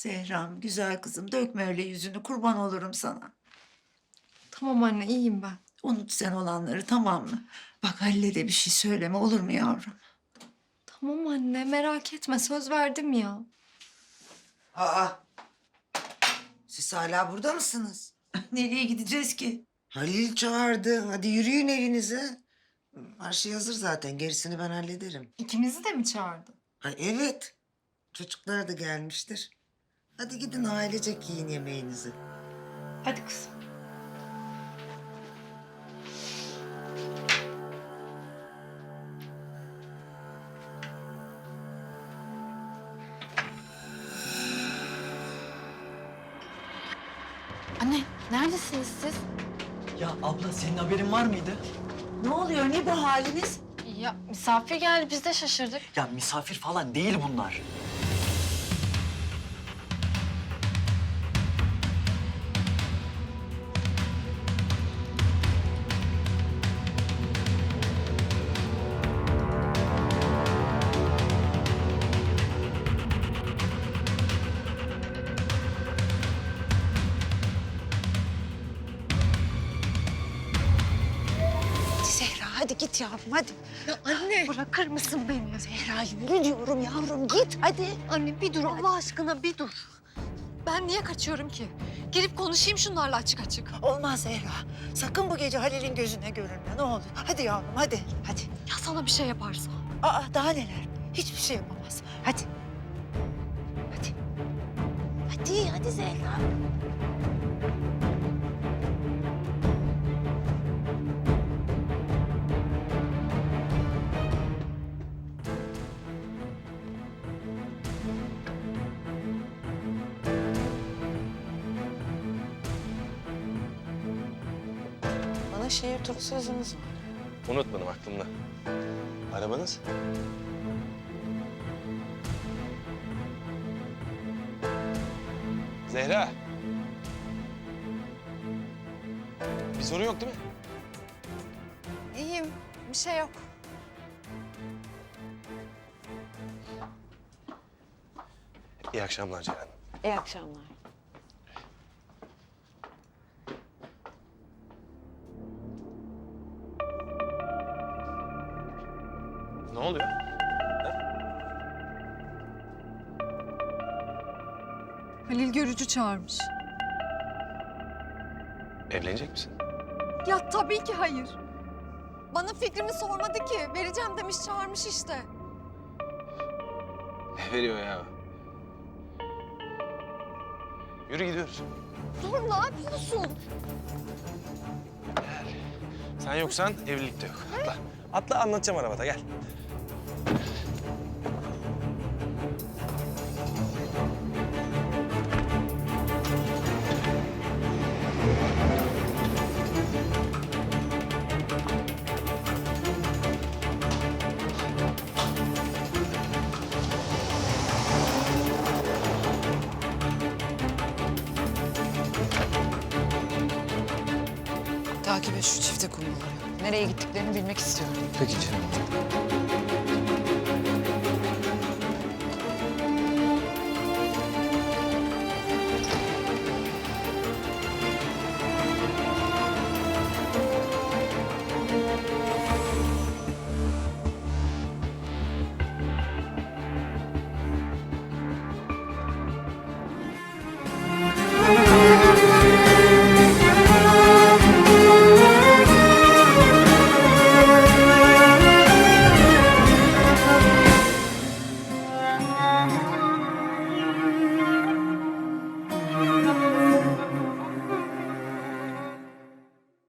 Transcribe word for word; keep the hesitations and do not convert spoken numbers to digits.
Zehram, güzel kızım, dökme öyle yüzünü, kurban olurum sana. Tamam anne, iyiyim ben. Unut sen olanları, tamam mı? Bak Halil'e de bir şey söyleme, olur mu yavrum? Tamam anne, merak etme. Söz verdim ya. Aa, siz hala burada mısınız? Nereye gideceğiz ki? Halil çağırdı. Hadi yürüyün evinize. Her şey hazır zaten. Gerisini ben hallederim. İkimizi de mi çağırdı? Ha, evet. Çocuklar da gelmiştir. Hadi gidin ailecek yiyin yemeğinizi. Hadi kızım. Anne, neredesiniz siz? Ya abla senin haberin var mıydı? Ne oluyor, ne bu haliniz? Ya misafir geldi, biz de şaşırdık. Ya misafir falan değil bunlar. Zehra, hadi git yavrum, hadi. Ya anne. Bırakır mısın beni? Zehra, yürü diyorum yavrum, git hadi. Anne bir dur Allah aşkına bir dur. Ben niye kaçıyorum ki? Gelip konuşayım şunlarla açık açık. Olmaz Zehra. Sakın bu gece Halil'in gözüne görünme, ne olur. Hadi yavrum, hadi, hadi. Ya sana bir şey yaparsa? Aa, daha neler? Hiçbir şey yapamaz. Hadi. Hadi. Hadi, hadi Zehra. Bana şehir turu sözünüz var. Unutmadım aklımda. Arabanız? Zehra. Bir sorun yok değil mi? İyiyim. Bir şey yok. İyi akşamlar Ceren. İyi akşamlar. Ne oluyor? Halil Görücü çağırmış. Evlenecek misin? Ya tabii ki hayır. Bana fikrimi sormadı ki. Vereceğim demiş, çağırmış işte. Ne veriyor ya? Yürü gidiyoruz. Dur, ne yapıyorsun? Gel. Sen yoksan evlilik de yok. Atla. Atla anlatacağım arabada gel. Takip et şu çifte kumruları. Nereye gittiklerini bilmek istiyorum. Peki Ceren.